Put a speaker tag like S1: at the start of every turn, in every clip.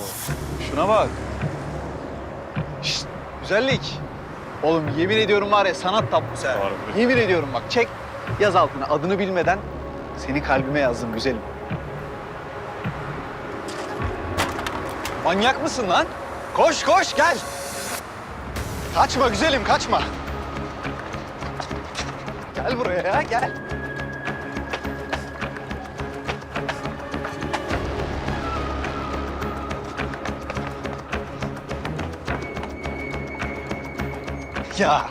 S1: Şuna bak. Şşt, güzellik. Oğlum yemin ediyorum var ya sanat tablosu ha. Yemin ediyorum bak çek yaz altına adını bilmeden seni kalbime yazdım güzelim. Manyak mısın lan? Koş koş gel. Kaçma güzelim kaçma. Gel buraya ya gel. Ya.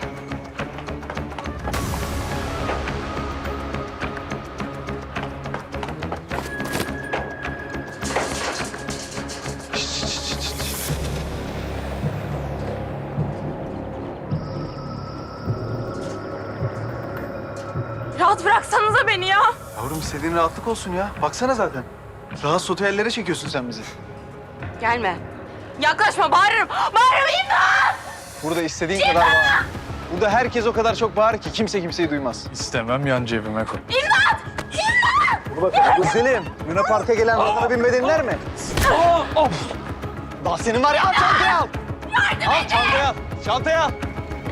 S2: Rahat bıraksanıza beni ya.
S1: Yavrum istediğin rahatlık olsun ya. Baksana zaten. Rahatsız otellere çekiyorsun sen bizi.
S2: Gelme. Yaklaşma, bağırırım. Bağırırım, imdat!
S1: Burada istediğin kadar bağır. Burada herkes o kadar çok bağırır ki kimse kimseyi duymaz.
S3: İstemem yan cebime koy.
S2: İmdat! İmdat!
S1: Dur bakalım. Güzelim. Luna Park'a gelen adına binmedinler mi? Of! Daha senin var ya al çantayı al. Al çantayı al. Çantayı al.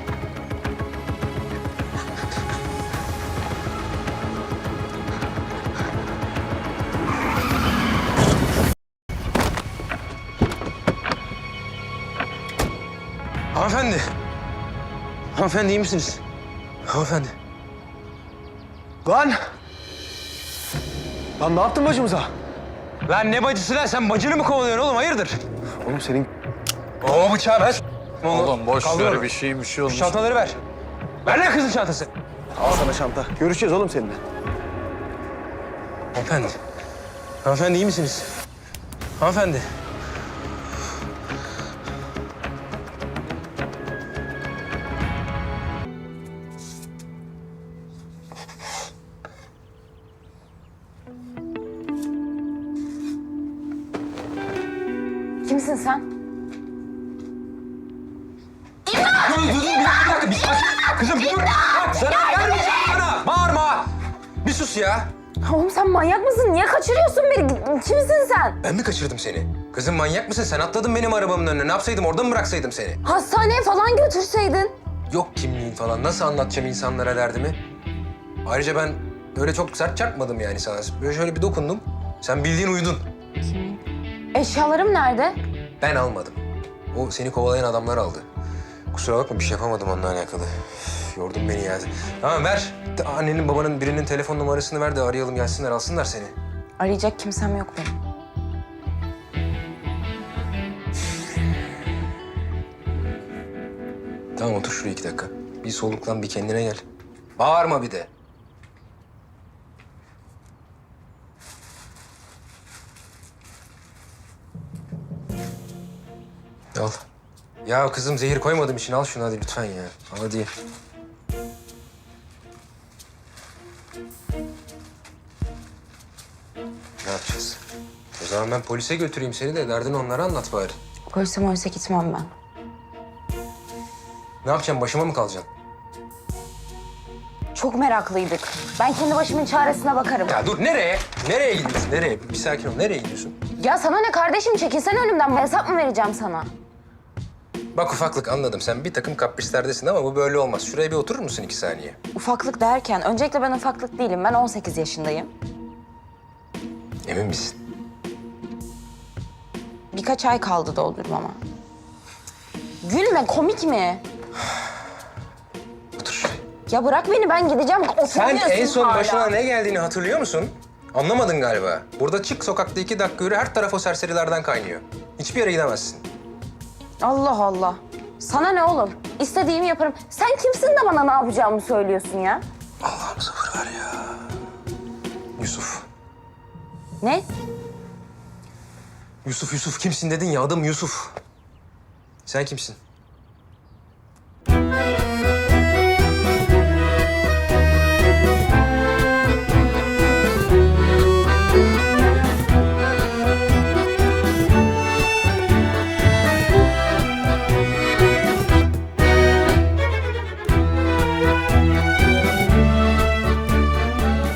S4: Hanımefendi. Hanımefendi iyi misiniz? Hanımefendi.
S1: Lan! Lan ne yaptın bacımıza?
S4: Lan ne bacısı lan? Sen bacını mı kovalıyorsun oğlum? Hayırdır?
S1: Oğlum senin...
S4: O bıçağı ver.
S3: Oğlum boş
S4: Kaldırıyorum.
S3: ver bir şey olmuş.
S4: Çantaları ver. Ver lan kızın çantası.
S1: Al sana çanta. Görüşeceğiz oğlum seninle.
S4: Hanımefendi. Hanımefendi iyi misiniz? Hanımefendi.
S2: Kimsin sen?
S4: Dur bir dakika. Bir sakin. Kızım bir dur. Bak zarar vermeyeceğim sana. Bağırma. Bir sus ya.
S2: Oğlum sen manyak mısın? Niye kaçırıyorsun beni? Kimsin sen?
S4: Ben mi kaçırdım seni? Kızım manyak mısın? Sen atladın benim arabamın önüne. Ne yapsaydım? Orada mı bıraksaydım seni?
S2: Hastaneye falan götürseydin.
S4: Yok kimliğin falan. Nasıl anlatacağım insanlara derdimi? Ayrıca ben öyle çok sert çarpmadım yani sana. Böyle şöyle bir dokundum. Sen bildiğin uyudun.
S2: Eşyalarım nerede?
S4: Ben almadım. O seni kovalayan adamlar aldı. Kusura bakma bir şey yapamadım onunla alakalı. Üf, yordun beni ya. Tamam ver. Annenin babanın birinin telefon numarasını ver de arayalım gelsinler alsınlar seni.
S2: Arayacak kimsem yok benim.
S4: Tamam otur şuraya 2 dakika. Bir soluklan bir kendine gel. Bağırma bir de. Al. Ya kızım zehir koymadım için al şunu hadi lütfen ya. Al hadi. Ne yapacağız? O zaman ben polise götüreyim seni de derdini onlara anlat bari.
S2: Polise gitmem ben.
S4: Ne yapacaksın? Başıma mı kalacaksın?
S2: Çok meraklıydık. Ben kendi başımın çaresine bakarım.
S4: Ya dur nereye? Nereye gidiyorsun? Nereye? Bir sakin ol. Nereye gidiyorsun?
S2: Ya sana ne kardeşim? Çekilsene önümden. Hesap mı vereceğim sana?
S4: Bak ufaklık anladım. Sen bir takım kaprislerdesin ama bu böyle olmaz. Şuraya bir oturur musun 2 saniye?
S2: Ufaklık derken, öncelikle ben ufaklık değilim. Ben 18 yaşındayım.
S4: Emin misin?
S2: Birkaç ay kaldı doldurmama. Gülme, komik mi?
S4: Otur şuraya.
S2: Ya bırak beni, ben gideceğim.
S4: Sen
S2: Oturuyorsun
S4: en son
S2: hala.
S4: başına ne geldiğini hatırlıyor musun? Anlamadın galiba. Burada çık sokakta 2 dakika yürü her taraf o serserilerden kaynıyor. Hiçbir yere gidemezsin.
S2: Allah Allah. Sana ne oğlum? İstediğimi yaparım. Sen kimsin de bana ne yapacağımı söylüyorsun ya?
S4: Allah'ım sabır ver ya. Yusuf.
S2: Ne?
S4: Yusuf kimsin dedin ya adım Yusuf. Sen kimsin?